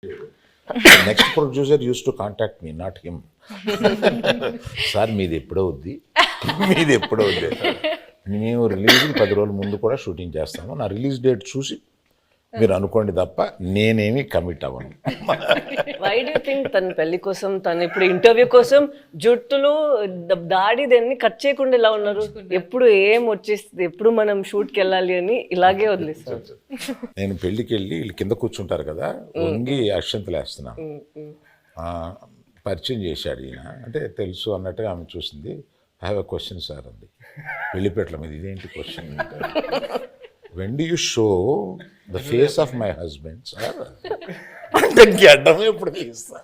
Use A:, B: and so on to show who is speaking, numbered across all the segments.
A: Next producer use to contact me, not him. Sir మీది ఎప్పుడవుద్ది, మీది ఎప్పుడవుద్ది. మేము రిలీజ్కి 10 రోజుల ముందు కూడా షూటింగ్ చేస్తాము. నా రిలీజ్ డేట్ చూసి మీరు అనుకోండి తప్ప నేనేమి కమిట్ అవ్వను.
B: వై డూ థింక్ తన పెళ్లి కోసం, తను ఇప్పుడు ఇంటర్వ్యూ కోసం జుట్టులు దాడి దాన్ని కట్ చేయకుండా ఇలా ఉన్నారు? ఎప్పుడు ఏం వచ్చేస్తుంది, ఎప్పుడు మనం షూట్కి వెళ్ళాలి అని ఇలాగే వదిలేస్తారు.
A: నేను పెళ్ళికి వెళ్ళి వీళ్ళు కింద కూర్చుంటారు కదా, వంగి అక్షంతలు వేస్తున్నాను. పరిచయం చేశాడు ఈయన, అంటే తెలుసు అన్నట్టుగా ఆమె చూసింది. I have a question sir అంది, పెళ్లిపేటల మీద. ఇదేంటి question? when do you show the face of my husband, sir? అంటే గడ్డం ఎప్పుడు తీస్తా?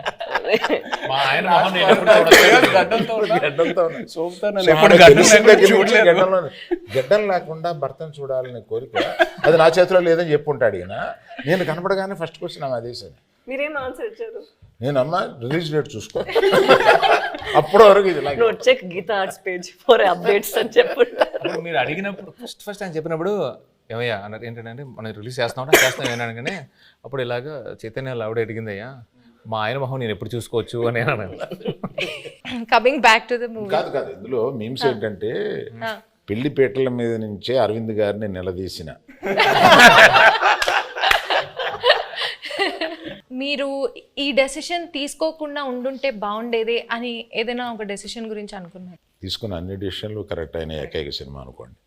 A: గడ్డం లేకుండా భర్తను చూడాలనే కోరిక అది నా చేతిలో లేదని చెప్పుంటాడు ఈయన. నేను కనపడగానే ఫస్ట్ క్వశ్చన్ అదే సార్.
B: మీరేం ఆన్సర్ ఇచ్చారు?
A: నేను అమ్మ రిలీజ్ డేట్ చూసుకో, అప్పటి వరకు ఇది
B: check Geetha Arts page for updates అని చెప్పుంటారు.
C: మీరు అడిగినప్పుడు ఫస్ట్ ఆయన చెప్పినప్పుడు ఏమయ్యా అన్నారు, ఏంటంటే మనం రిలీజ్ చేస్తాం ఏమన్నాను, కానీ అప్పుడు ఇలాగా చైతన్య ఆవిడ అడిగిందయ్యా మా ఆయన మొహం నేను ఎప్పుడు చూసుకోవచ్చు అని అన్నాను.
D: Coming back to the movie.
A: కాదు కాదు, ఇందులో మీమ్స్ ఏంటంటే పెళ్లిపేటల మీద నుంచే అరవింద్ గారిని నిలదీసిన.
D: మీరు ఈ డెసిషన్ తీసుకోకుండా ఉండుంటే బాగుండేది అని ఏదైనా ఒక డెసిషన్ గురించి అనుకున్నారు?
A: తీసుకున్న అన్ని డిసిషన్లు కరెక్ట్ అయిన ఏకైక సినిమా అనుకోండి.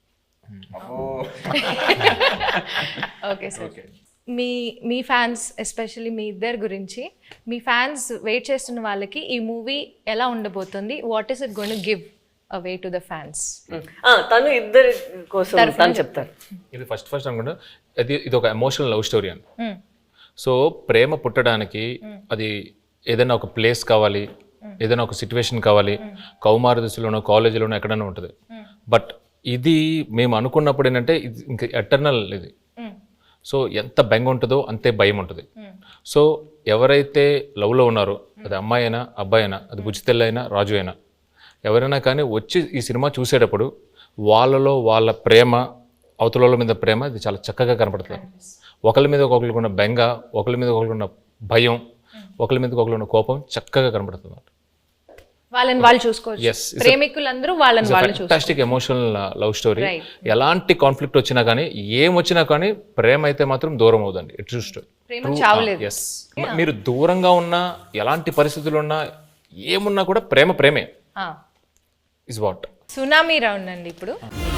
D: ఓకే సార్, మీ ఫ్యాన్స్ ఎస్పెషల్లీ మీ ఇద్దరి గురించి, మీ ఫ్యాన్స్ వెయిట్ చేస్తున్న వాళ్ళకి ఈ మూవీ ఎలా ఉండబోతుంది, what is it going to give away to the fans?
B: తను ఇద్దరి కోసం తను చెప్తారు.
C: ఇది ఫస్ట్ అనుకుంటా, ఇది ఒక ఎమోషనల్ లవ్ స్టోరీ అని. సో ప్రేమ పుట్టడానికి అది ఏదైనా ఒక ప్లేస్ కావాలి, ఏదైనా ఒక సిచ్యువేషన్ కావాలి, కౌమార దశలోనో కాలేజీలోనో ఎక్కడైనా ఉంటుంది. బట్ ఇది మేము అనుకున్నప్పుడు ఏంటంటే ఇది ఇంకా ఎటర్నల్ ఇది. సో ఎంత బెంగ ఉంటుందో అంతే భయం ఉంటుంది. సో ఎవరైతే లవ్లో ఉన్నారో, అది అమ్మాయి అయినా అబ్బాయి అయినా, అది బుజ్జితెల్ల అయినా రాజు అయినా, ఎవరైనా కానీ వచ్చి ఈ సినిమా చూసేటప్పుడు వాళ్ళలో వాళ్ళ ప్రేమ, అవతల మీద ప్రేమ ఇది చాలా చక్కగా కనపడుతుంది. ఒకరి మీద ఒకరికి ఉన్న బెంగ, ఒకరి మీద ఒకరికి ఉన్న భయం, ఒకరి మీద ఒకరికి ఉన్న కోపం చక్కగా కనపడుతుంది.
D: వాళ్ళని వాళ్ళు చూసుకోవచ్చు, ప్రేమికులందరూ వాళ్ళని వాళ్ళు చూసుకోవచ్చు.
C: Fantastic emotional love story. ఎలాంటి కాన్ఫ్లిక్ట్ వచ్చినా కానీ, ఏం వచ్చినా కానీ ప్రేమ అయితే మాత్రం దూరం అవుదండి. ఇట్ జస్ట్
D: ప్రేమ చావలేదు.
C: ఎస్, మీరు దూరంగా ఉన్నా, ఎలాంటి పరిస్థితులు ఉన్నా, ఏమున్నా కూడా ప్రేమ ప్రేమే ఇస్ వాట్.
D: సునామీ రౌండ్ అండి ఇప్పుడు.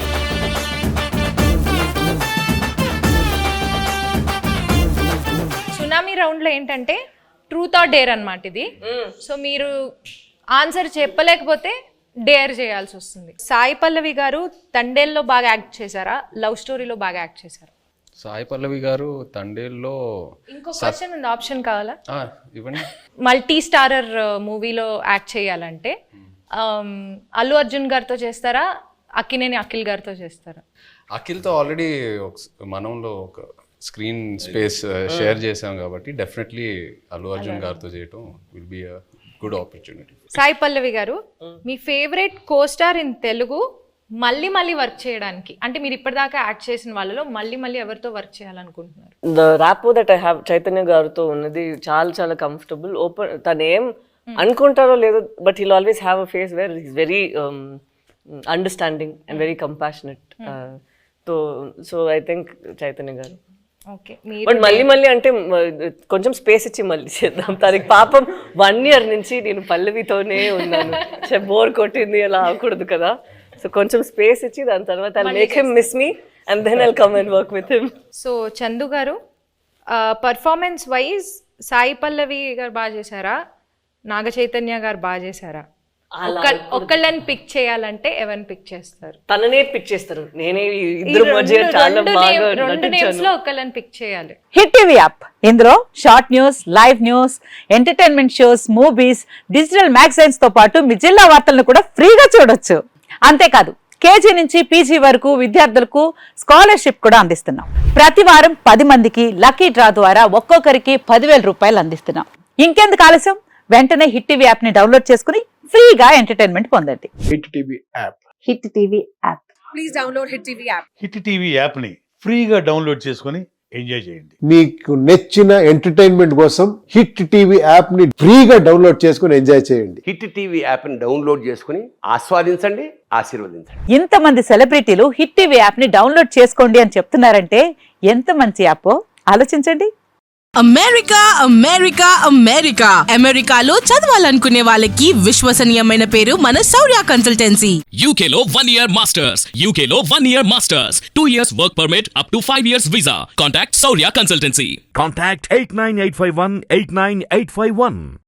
D: సునామీ రౌండ్లో ఏంటంటే ట్రూత్ ఆర్ డేర్ అన్నమాట ఇది. సో మీరు ఆన్సర్ చెప్పలేకపోతే డేర్ చేయాల్సి వస్తుంది. సాయి పల్లవి గారు తండేల్లో బాగా యాక్ట్ చేశారా, లవ్ స్టోరీలో బాగా యాక్ట్ చేశారా?
E: సాయి పల్లవి గారు తండేల్లో.
D: ఇంకో క్వశ్చన్ ఉంది, ఆప్షన్ కావాలా?
E: ఇవ్వండి.
D: మల్టీ స్టారర్ మూవీలో యాక్ట్ చేయాలంటే అల్లు అర్జున్ గారితో చేస్తారా, అక్కినేని అఖిల్ గారితో చేస్తారా?
E: అఖిల్తో ఆల్రెడీ మనంలో ఒక స్క్రీన్ స్పేస్ షేర్ చేసాం కాబట్టి డెఫినెట్లీ అల్లు అర్జున్ గారితో చేయటం will be a good opportunity.
D: Sai Pallavi garu, మీ ఫేవరెట్ కోస్టార్ ఇన్ తెలుగు మళ్ళీ మళ్ళీ వర్క్ చేయడానికి, అంటే మీరు ఇప్పటిదాకా యాక్ట్ చేసిన వాళ్ళలో మళ్ళీ ఎవరితో వర్క్ చేయాలనుకుంటున్నారు?
B: The rapport that I have Chaitanya గారితో ఉన్నది చాలా కంఫర్టబుల్. ఓపెన్, తను ఏం అనుకుంటారో లేదో, but he'll always have a face where is very understanding and very compassionate. So I think Chaitanya garu.
D: Okay,
B: but మళ్ళీ అంటే కొంచెం స్పేస్ ఇచ్చి మళ్ళీ చేద్దాం. తనకి పాపం 1 year నుంచి నేను పల్లవితోనే ఉన్నాను, బోర్ కొట్టింది, అలా అవ్వకూడదు కదా. సో కొంచెం స్పేస్ ఇచ్చి దాని తర్వాత I'll make him miss me and then I'll come and work with him.
D: So Chandu garu, performance wise Sai Pallavi గారు బాగా చేశారా, నాగ చైతన్య గారు బాగా చేశారా? ఒక్కళ్ళని పిక్ చేయాలంటే ఎవరిని పిక్ చేస్తారు?
B: తననే పిక్ చేస్తారు. నేనే ఇద్దరు మధ్య చాలా బాగా
D: రెండు నేమ్స్ లో ఒక్కళ్ళని పిక్ చేయాలి.
F: హిట్ టీవీ యాప్, ఇందులో short news, live news, entertainment shows, movies, digital magazines తో పాటు మీ జిల్లా వార్తలను కూడా ఫ్రీగా చూడొచ్చు. అంతేకాదు కేజీ నుంచి పీజీ వరకు విద్యార్థులకు స్కాలర్షిప్ కూడా అందిస్తున్నాం. ప్రతి వారం 10 మందికి లక్కీ డ్రా ద్వారా ఒక్కొక్కరికి 10,000 రూపాయలు అందిస్తున్నాం. ఇంకెందుకు ఆలస్యం, వెంటనే హిట్ టీవీ యాప్ ని డౌన్లోడ్ చేసుకుని ఫ్రీగా ఎంటర్టైన్మెంట్ పొందండి.
G: Hit TV app.
F: Hit TV app.
H: Please download Hit TV app.
G: Hit TV app ని ఫ్రీగా డౌన్లోడ్ చేసుకుని ఎంజాయ్ చేయండి.
H: మీకు నచ్చిన ఎంటర్టైన్మెంట్ కోసం హిట్ టీవీ యాప్ ని ఫ్రీగా డౌన్లోడ్ చేసుకుని ఎంజాయ్ చేయండి.
I: హిట్ టీవీ యాప్ని డౌన్లోడ్ చేసుకుని ఆస్వాదించండి, ఆశీర్వదించండి.
F: ఇంతమంది సెలబ్రిటీలు హిట్ టీవీ యాప్ ని డౌన్లోడ్ చేసుకోండి అని చెప్తున్నారంటే ఎంత మంచి యాప్ ఆలోచించండి.
J: అమెరికా అమెరికా అమెరికా అమెరికాలో చదవాలనుకునే వాళ్ళకి విశ్వసనీయమైన పేరు మన శౌర్య కన్సల్టెన్సీ.
K: UK లో 1 year masters, UK లో 1 year masters, 2 years work permit up to 5 years visa. Contact Saurya Consultancy.
G: Contact 89851 89851.